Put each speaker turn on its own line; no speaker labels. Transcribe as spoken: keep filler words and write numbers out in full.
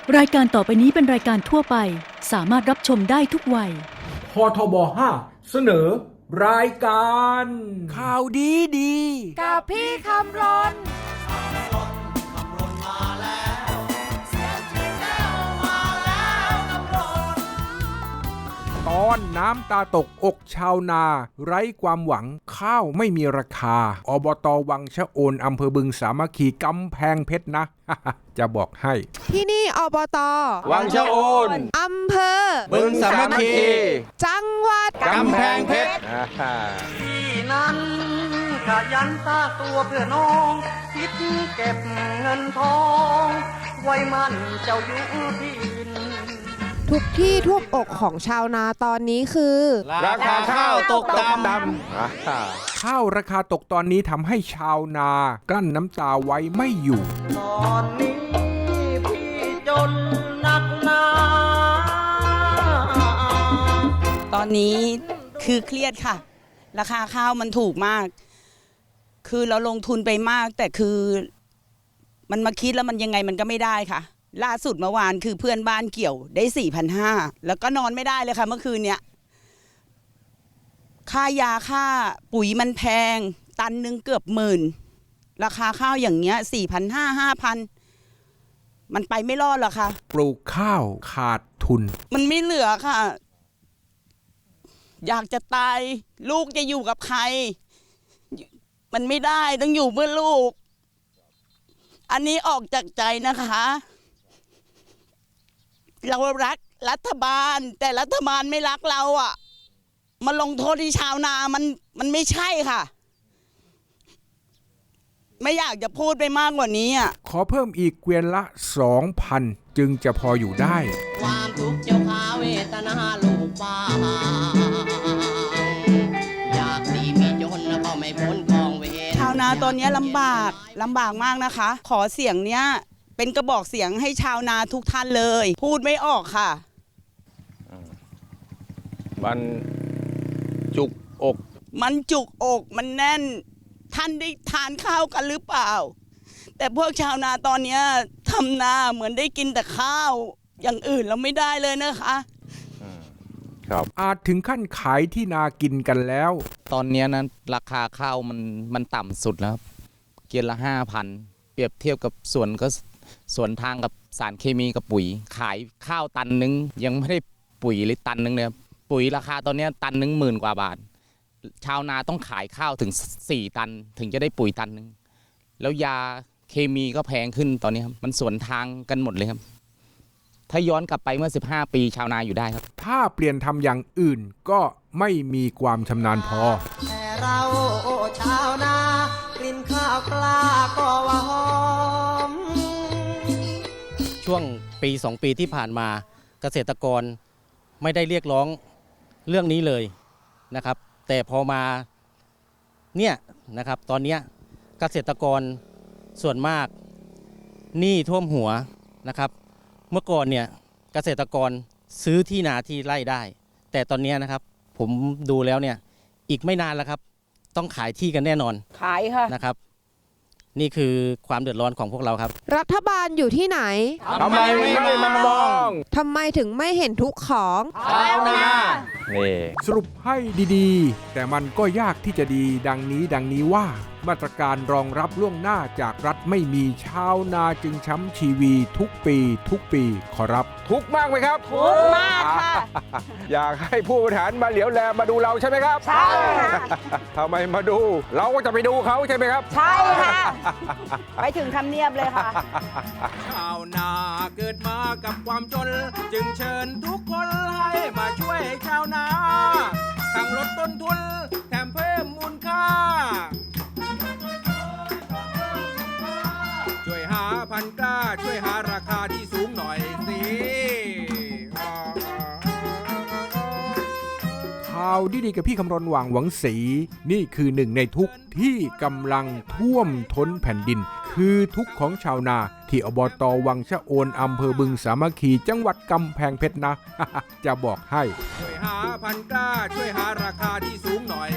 รายการต่อไปนี้เป็นรายการทั่วไปสามารถรับชมได้ทุกวัย
พทบห้าเสนอรายการ
ข่าวดีดี
กับพี่คำรน
ตอนน้ำตาตกอกชาวนาไร้ความหวังข้าวไม่มีราคาอบต.วังชะโอนอำเภอบึงสามัคคีกำแพงเพชรนะ จะบอกให้
ที่นี่อบต.
วังชะโอน
อำเภอ
บึงสามัคคี
จังหวัด
กำแพงเพชร
ที่นั้นขยันตาตัวเพื่อน้องคิดเก็บเงินทองไว้มันเจ้าอยู่ที่
ทุกที่ท่วมอกของชาวนาตอนนี้คือ
ราคาข้าวตกต่ำ
ข้าวราคาตกตอนนี้ทำให้ชาวนากลั้นน้ำตาไว้ไม่อยู่
ตอนนี้พี่จนนักหนา
ตอนนี้คือเครียดค่ะราคาข้าวมันถูกมากคือเราลงทุนไปมากแต่คือมันมาคิดแล้วมันยังไงมันก็ไม่ได้ค่ะล่าสุดเมื่อวานคือเพื่อนบ้านเกี่ยวได้ สี่พันห้าร้อย แล้วก็นอนไม่ได้เลยค่ะเมื่อคืนเนี้ยค่ายาค่าปุ๋ยมันแพงตันนึงเกือบหมื่นราคาข้าวอย่างเงี้ย สี่พันห้าร้อย ห้าพัน มันไปไม่รอดหรอกค่ะ
ปลูกข้าวขาดทุน
มันไม่เหลือค่ะอยากจะตายลูกจะอยู่กับใครมันไม่ได้ต้องอยู่เพื่อลูกอันนี้ออกจากใจนะคะเรารักรัฐบาลแต่รัฐบาลไม่รักเราอ่ะมาลงโทษที่ชาวนามันมันไม่ใช่ค่ะไม่อยากจะพูดไปมากกว่านี้อ่ะ
ขอเพิ่มอีกเกวียนละ สองพัน จึงจะพออยู่ได้
ความทุกข์เจ้าขาเวทนาลูกบ้าอยากดีมีจนแล้วก็ไม่พ้นกองเวร
ชาวนาตอนนี้ลำบากลำบากมากนะคะขอเสียงเนี้ยเป็นกระบอกเสียงให้ชาวนาทุกท่านเลยพูดไม่ออกค่ะ
มันจุกอก
มันจุกอกมันแน่นท่านได้ทานข้าวกันหรือเปล่าแต่พวกชาวนาตอนนี้ทำนาเหมือนได้กินแต่ข้าวอย่างอื่นเราไม่ได้เลยนะคะ
ครับอาจถึงขั้นขายที่นากินกันแล้ว
ตอนนี้นะราคาข้าวมันมันต่ำสุดแล้วเกียนละ ห้าพัน เปรียบเทียบกับส่วนก็ส่วนทางกับสารเคมีกับปุ๋ยขายข้าวตันนึงยังไม่ได้ปุ๋ยเลยตันนึงเนี่ยปุ๋ยราคาตอนนี้ตันนึงหมื่นกว่าบาทชาวนาต้องขายข้าวถึงสี่ตันถึงจะได้ปุ๋ยตันนึงแล้วยาเคมีก็แพงขึ้นตอนนี้ครับมันสวนทางกันหมดเลยครับถ้าย้อนกลับไปเมื่อสิบห้าปีชาวนาอยู่ได้ครับ
ถ้าเปลี่ยนทำอย่างอื่นก็ไม่มีความชำนาญพอ
แต่เราชาวนา กลิ่นข้าวกล้าก็ว่าหอม
ช่วงปีสองปีที่ผ่านมาเกษตรกรไม่ได้เรียกร้องเรื่องนี้เลยนะครับแต่พอมาเนี่ยนะครับตอนนี้เกษตรกรส่วนมากหนี้ท่วมหัวนะครับเมื่อก่อนเนี่ยเกษตรกรซื้อที่นาที่ไร่ได้แต่ตอนนี้นะครับผมดูแล้วเนี่ยอีกไม่นานแล้วครับต้องขายที่กันแน่นอน
ขายค่ะ
นะครับนี่คือความเดือดร้อนของพวกเราครับ
รัฐบาลอยู่ที่ไหน
ทำไมไม่มามอง
ทำไมถึงไม่เห็นทุกของ
ชาวนา
สรุปให้ดีๆแต่มันก็ยากที่จะดีดังนี้ดังนี้ว่ามาตรการรองรับล่วงหน้าจากรัฐไม่มีชาวนาจึงช้ำชีวีทุกปีทุกปีขอรับ
ทุกมากไหมครับ
ทุกมากค่ะ
อยากให้ผู้บริหารมาเหลียวแลมาดูเราใช่ไหมครับ
ใช่
ทำไมมาดูเราก็จะไปดูเขาใช่ไหมครับ
ใช่ค่ะไปถึงทำเนียบเลยค่ะ
ชาวนาเกิดมากับความจนจึงเชิญทุกคนให้มาช่วยชาวนาทั้งลดต้นทุนแถมเพิ่มมูลค่าช่วยหาพันธุ์กล้าช่วยหาราคาที่สูงหน่อยสิข่าวดีๆกับพี่คำรณหว่างหวังศรีนี่คือหนึ่งในทุกที่กำลังท่วมท้นแผ่นดินคือทุกของชาวนาที่อบต.วังชะโอนอำเภอบึงสามัคคีจังหวัดกำแพงเพชรนะ จะบอกให้ช่วยหาพันธุ์กล้าช่วยหาราคาที่สูงหน่อย